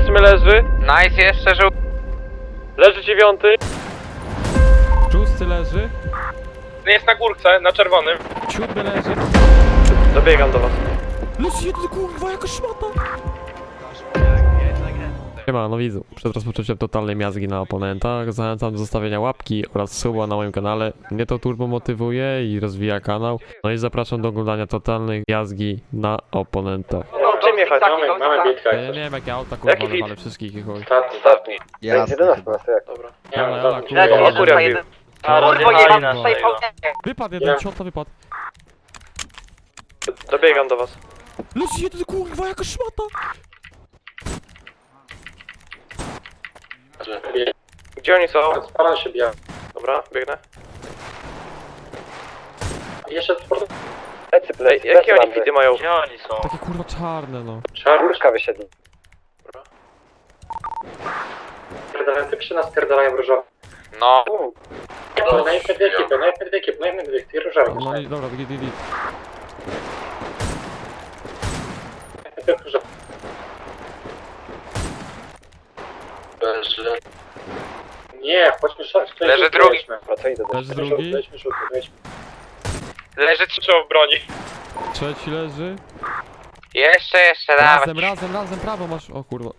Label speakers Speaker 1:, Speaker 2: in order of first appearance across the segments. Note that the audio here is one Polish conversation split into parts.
Speaker 1: 8 leży.
Speaker 2: Nice, jeszcze żółty.
Speaker 1: Leży 9.
Speaker 3: Szósty leży.
Speaker 1: Jest na górce, na czerwonym.
Speaker 3: Siódmy leży.
Speaker 1: Dobiegam do was.
Speaker 3: Leży jeden, kurwa, jaka szmata. Siema, no widzu, przed rozpoczęciem totalnej miazgi na oponentach zachęcam do zostawienia łapki oraz suba na moim kanale. Mnie to turbo motywuje i rozwija kanał. No i zapraszam do oglądania totalnej miazgi na oponentach.
Speaker 1: No, czym jechać?
Speaker 4: Mamy bitkę.
Speaker 3: Ja nie wiem jakie auta, kurwa,
Speaker 1: Jaki fit?
Speaker 3: ale wszystkich ich chuj.
Speaker 4: Ostatni.
Speaker 5: Jasne.
Speaker 4: 11 jak.
Speaker 1: Dobra.
Speaker 3: Ale,
Speaker 4: dobra.
Speaker 3: kurwa.
Speaker 1: O kurwa, jeden.
Speaker 2: Kurwa, jebana szejfa.
Speaker 3: Wypadł jeden, ciota wypadł.
Speaker 1: Dobiegam do was.
Speaker 3: Leży jeden, kurwa, jaka szmata.
Speaker 1: Gdzie oni są?
Speaker 4: Spala się bija.
Speaker 1: Dobra, biegnę.
Speaker 4: Jeszcze sport.
Speaker 1: Ej, jakie oni fity mają?
Speaker 2: Gdzie oni są?
Speaker 3: Takie kurwa czarne, no.
Speaker 4: Górka wysiedli. Typy się naspierdalają różowe.
Speaker 2: No.
Speaker 4: Najpierw dwie ekipy, najpierw dwie ekipy, różowe.
Speaker 3: No i dobra, git.
Speaker 4: Najpierw różowe. Nie, chodźmy szarć.
Speaker 2: Leży drugi.
Speaker 3: Leży drugi.
Speaker 2: Leży
Speaker 1: Trzeba w broni.
Speaker 3: Trzeci leży.
Speaker 2: Jeszcze, dawaj.
Speaker 3: Razem, prawo masz. O kurwa.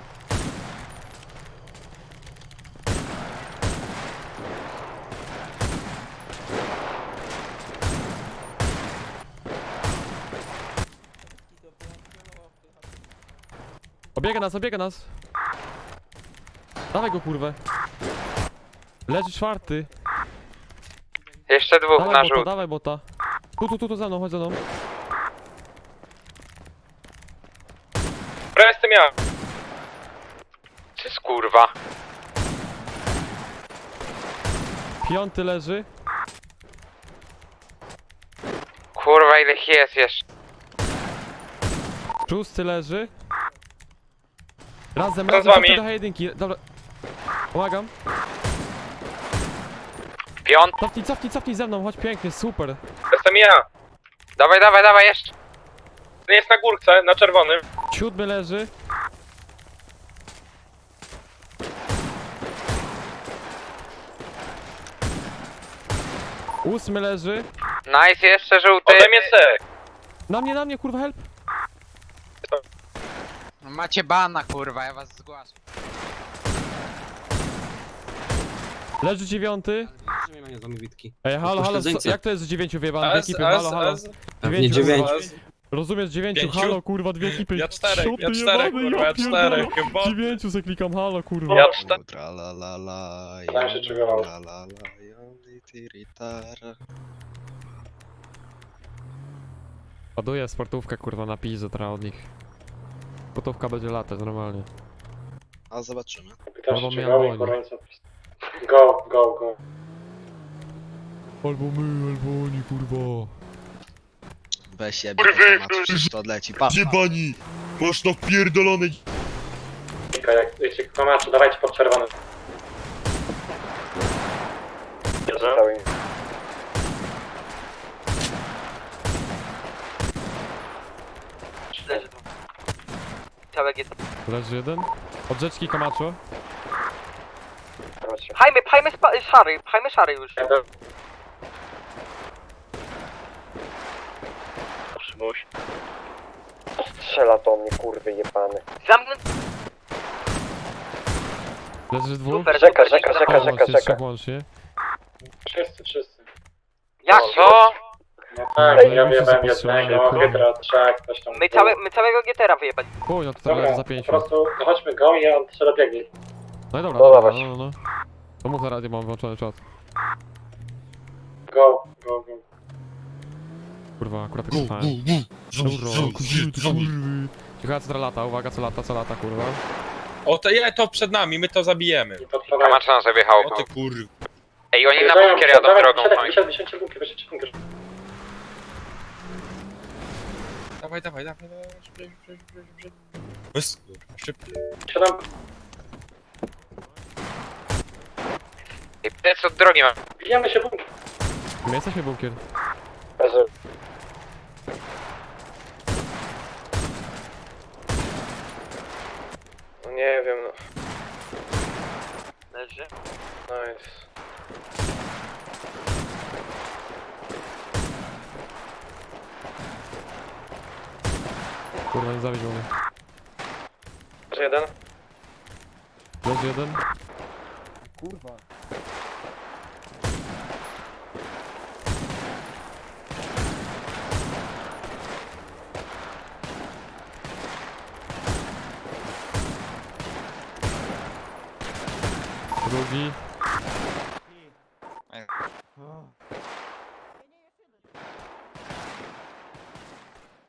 Speaker 3: Obiega nas. Dawaj go, kurwę. Leży czwarty.
Speaker 2: Jeszcze dwóch na
Speaker 3: Dawaj bota,
Speaker 2: żółty.
Speaker 3: dawaj bota. Tu za mną, chodź za mną.
Speaker 1: Dobra, jestem ja.
Speaker 2: To jest kurwa.
Speaker 3: Piąty leży.
Speaker 2: Kurwa, ile ich jest jeszcze?
Speaker 3: Szósty leży. Razem,
Speaker 1: z wami.
Speaker 3: cofnij do jedynki. Dobra. Pomagam.
Speaker 2: Piąty.
Speaker 3: Cofnij ze mną, chodź pięknie, super.
Speaker 1: Jestem ja.
Speaker 2: Dawaj, jeszcze.
Speaker 1: Jest na górce, na czerwonym.
Speaker 3: Siódmy leży. Ósmy leży.
Speaker 2: Nice, jeszcze żółty.
Speaker 1: Ode mnie C.
Speaker 3: Na mnie, kurwa, help.
Speaker 6: Macie bana, kurwa, ja was zgłaszam.
Speaker 3: Leży dziewiąty. Ej, halo, jak to jest z dziewięciu wyjebane? Dwie ekipy, halo.
Speaker 7: Nie dziewięciu.
Speaker 3: Rozumiesz, dziewięciu,
Speaker 1: Pięciu?
Speaker 3: halo, kurwa, dwie ekipy.
Speaker 1: Ja czterech,
Speaker 3: Szoty
Speaker 1: ja czterech,
Speaker 3: jebane,
Speaker 1: kurwa, ja czterech,
Speaker 3: pierdolę.
Speaker 1: chyba.
Speaker 3: Dziewięciu se klikam, halo, kurwa.
Speaker 1: Ja czterech.
Speaker 5: Tralalala,
Speaker 4: Tam się czegowało.
Speaker 5: lalala, joli, tiritara.
Speaker 3: Ładuję sportówkę, kurwa, na pizę teraz od nich. Sportówka będzie latać, normalnie.
Speaker 5: A zobaczymy.
Speaker 4: Pytasz
Speaker 3: Albo
Speaker 4: się,
Speaker 3: mnie
Speaker 4: czy go i
Speaker 3: boli.
Speaker 4: Koreańców. Go.
Speaker 3: Albo my, albo oni, kurwa.
Speaker 5: Weź się, temat, przecież to odleci. Pa.
Speaker 7: Jebani! Masz to wpierdolony...
Speaker 4: Jak wiecie, komaczy, dawajcie pod czerwonym.
Speaker 2: Całek jest.
Speaker 3: Leży jeden. Od rzeczki Kamacho.
Speaker 2: Pchajmy szary już.
Speaker 1: Przymuś.
Speaker 4: Strzela to mnie, kurwy jebany.
Speaker 2: Zamknąć.
Speaker 3: Leży dwóch.
Speaker 2: Super,
Speaker 4: Rzeka.
Speaker 3: Trzech łącznie.
Speaker 4: Wszyscy.
Speaker 2: Jak co?
Speaker 4: No tak,
Speaker 3: Dobra,
Speaker 4: ja
Speaker 3: muszę
Speaker 4: wyjebałem
Speaker 3: zapostrzelać,
Speaker 4: jednego,
Speaker 3: kurwa.
Speaker 4: hydra, trzech, coś tam.
Speaker 2: My całego GTR-a wyjebać.
Speaker 3: Chuj, no to teraz
Speaker 4: Dobra,
Speaker 3: leży za
Speaker 4: po
Speaker 3: pięciu.
Speaker 4: prostu chodźmy go i on strzela biegnie.
Speaker 3: No i dobra,
Speaker 4: No
Speaker 3: dobra,
Speaker 4: dawać.
Speaker 3: no. To mów na radio, mam włączony czat.
Speaker 4: Go.
Speaker 3: Kurwa, akurat tak słuchałem. Kurwa, kurwy. Ciekawe co teraz lata, uwaga, co lata, kurwa.
Speaker 8: O, to przed nami, my to zabijemy.
Speaker 4: I podpalają.
Speaker 2: Kamacz nam sobie jechał.
Speaker 8: O ty kur...
Speaker 2: Ej, oni na bunkier jadą drogą.
Speaker 4: Wysiadźcie bunkier.
Speaker 8: Dawaj. Szybko.
Speaker 4: Siadam.
Speaker 2: Ej, to co od drogi mam.
Speaker 4: Bijemy się bunkier.
Speaker 3: My jesteśmy bunkier.
Speaker 1: Nie wiem, no.
Speaker 2: Leży.
Speaker 1: Nice.
Speaker 3: Kurwa, nie zawiedź mnie.
Speaker 1: Leży jeden.
Speaker 3: Leży jeden. Drugi.